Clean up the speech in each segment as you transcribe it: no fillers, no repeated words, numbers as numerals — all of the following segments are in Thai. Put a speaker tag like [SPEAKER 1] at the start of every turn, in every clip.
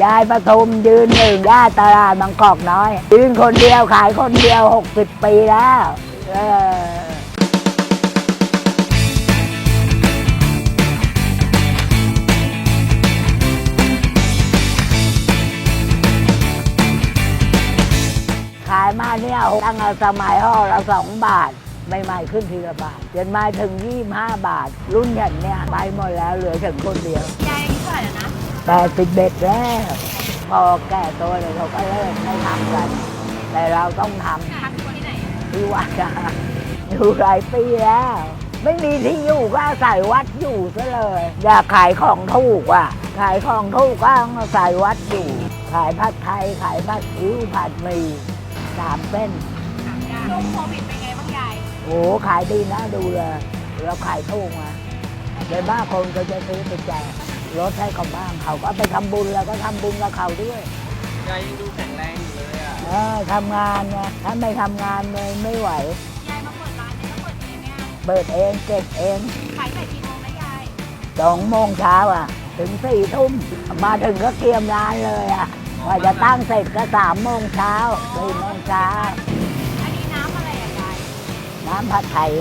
[SPEAKER 1] ายปทุมยืนหนึ่งย่าตลาดบางกอกน้อยยืนคนเดียวขายคนเดียว60 ปีแล้วขายมาเนี่ยตั้งแต่สมัยห่อละ2 บาทใหม่ๆขึ้นทีละบาทจนมาถึง25 บาทรุ่นอย่างเนี้ยไปหมดแล้วเหลือฉันคนเดียวย
[SPEAKER 2] ายอายุเท่าไหร่แล้วนะ
[SPEAKER 1] 81แล้วพอแก่ตัวเลยเขาก็เลิกไม่ทำกันแต่เราต้องทำ
[SPEAKER 2] ที่ไหน
[SPEAKER 1] ที่วัดอยู่หลายปีแล้วไม่มีที่อยู่ก็อาศัยวัดอยู่ซะเลยอยากขายของถูกอ่ะขายของถูกก็อาศัยวัดอยู่ขายผัดไทยขายผัดอิ้วผัดหมี่3 เส้น
[SPEAKER 2] ช่วงโควิดเป็นไงบ้างยาย
[SPEAKER 1] โอ้ขายดีนะดูเลยเราขายถูกมาเลยบ้าคนก็จะซื้อไปแจกรถให้เขาบ้างเขาก็ไปทำบุญแล้วก็ทำบุญกับเขาด้วย
[SPEAKER 3] ยายยังดูแข็งแรงอยู่เลย
[SPEAKER 1] ทำงานไงถ้าไม่ทำงานเลยไม่ไหวย
[SPEAKER 2] ายมาเปิดร้านเนี่ยเปิดเองเนี่ย
[SPEAKER 1] เปิดเองเก็บเอง
[SPEAKER 2] ขายแต่กี่โมงนะยาย
[SPEAKER 1] 2 โมงเช้าถึง4 ทุ่มมาถึงก็เตรียมร้านเลยกว่าจะตั้งเสร็จก็3 โมงเช้า4 โมงเช้า
[SPEAKER 2] อันนี้น้ำอะไรยาย
[SPEAKER 1] น้ำผัดไทย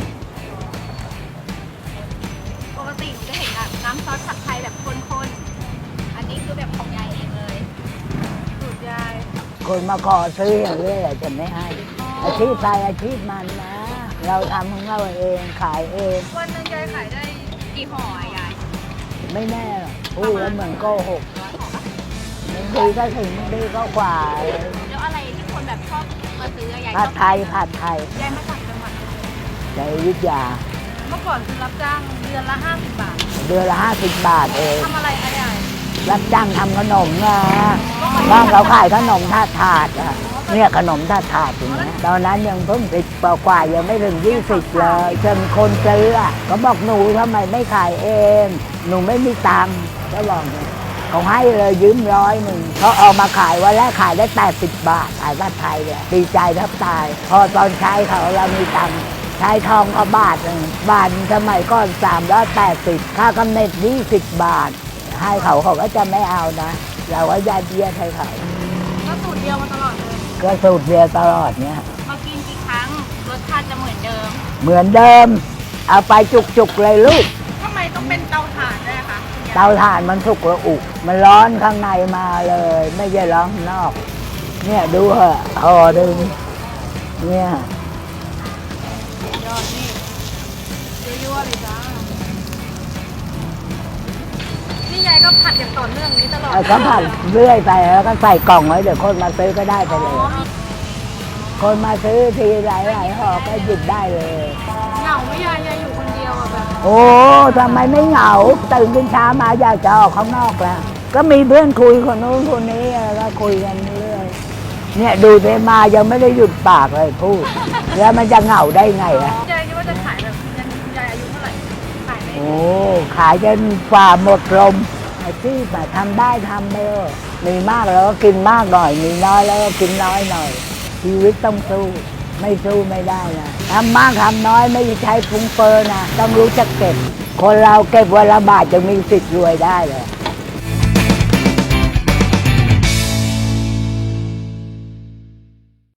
[SPEAKER 2] ปกติหนูจะเห็นแบบน้ำซอสผัดไทยแบบข้นๆอันนี้คือแบบของยายเองเลยสูตรยาย
[SPEAKER 1] คนมาขอซื้ออย่างนี้แหละจะไม่ให้อาชีพใครอาชีพมันนะเราทำของเราเองขายเอง
[SPEAKER 2] วันนึงยายขายได้กี่ห่อยาย
[SPEAKER 1] ไม่แน่พูดแล้วเหมือนโกหกบางทีก็ถึงบางทีก็กว่า
[SPEAKER 2] แล้วอะไรที่คนแบบชอบมาซื้อยาย
[SPEAKER 1] ผัดไทยย
[SPEAKER 2] ายมาจากจังหวัด
[SPEAKER 1] ในอยุธยา
[SPEAKER 2] เมื่อก่อนคือรับจ้างเดือนละ50 บาท
[SPEAKER 1] เดือนละ50 บาทเอง
[SPEAKER 2] ทำอะไรยาย
[SPEAKER 1] รับจ้างทำขนมนะบ้านเราขายขนมถาดเนี่ยขนมถาดอย่างนี้ตอนนั้นยังเพิ่ง10 กว่ายังไม่ถึง20เลยจนคนซื้อก็บอกหนูทำไมไม่ขายเองหนูไม่มีตังค์ก็บอกเขาให้เลยยืม100เขาเอามาขายวันแรกขายได้80 บาทขายผัดไทยเลยดีใจแทบตายพอตอนใช้เขาเรามีตังค์ใช้ทองก็บาทสมัยก่อน380ค่ากำเนิด20 บาทให้เขาก็จะไม่เอานะเราก็ยัดเยียดให้เขา
[SPEAKER 2] ก็สูตรเดียวมาตลอดเลย
[SPEAKER 1] ก็สูตรเดียวตลอดเนี่ย
[SPEAKER 2] มากินกี่ครั้งรสชาติจะเหมือนเดิม
[SPEAKER 1] เอาไปจุกๆเลยลูก
[SPEAKER 2] ทำไมต้องเป็นเตาถ่านด้วยคะ
[SPEAKER 1] เตาถ่านมันสุกระอุมันร้อนข้างในมาเลยไม่ใช่ร้อนข้างนอกเนี่ยดูเหอะห่อดึงเนี่ย
[SPEAKER 2] ยอดนี่ยั่วๆเลยจ้านี่ยายก็ผัดอย่างต่อเนื่องนี้ตลอด
[SPEAKER 1] ก็ผัดเรื่อยไปแล้วก็ใส่กล่องไว้เดี๋ยวคนมาซื้อก็ได้ไปเลยคนมาซื้อทีหลายห่อก็หยิบได้เลย
[SPEAKER 2] เหงาไม่ยายอยู่คนเดียวแบบ
[SPEAKER 1] โอ้ทำไมไม่เหงาตื่นขึ้นเช้ามาอยากจะออกข้างนอกแล้วก็มีเพื่อนคุยคนนู้นคนนี้แล้วก็คุยกันเรื่อยเนี่ยดูเทมายังไม่ได้หยุดปากเลยพูดแล้วมันจะเหงาได้ไง
[SPEAKER 2] ยายคิดว่าจะขายแบบยายอายุเท่าไหร่ขายได้
[SPEAKER 1] โอ้ขายจนฝ่าหมดลมอาชีพทำได้ทำไปมีมากแล้วก็กินมากหน่อยมีน้อยแล้วก็กินน้อยหน่อยชีวิตต้องสู้ไม่สู้ไม่ได้นะทำมากทำน้อยไม่ใช้ฟุ้งเฟ้อนะต้องรู้จักเก็บคนเราเก็บวันละบาทจะมีสิทธิ์รวยได้เลย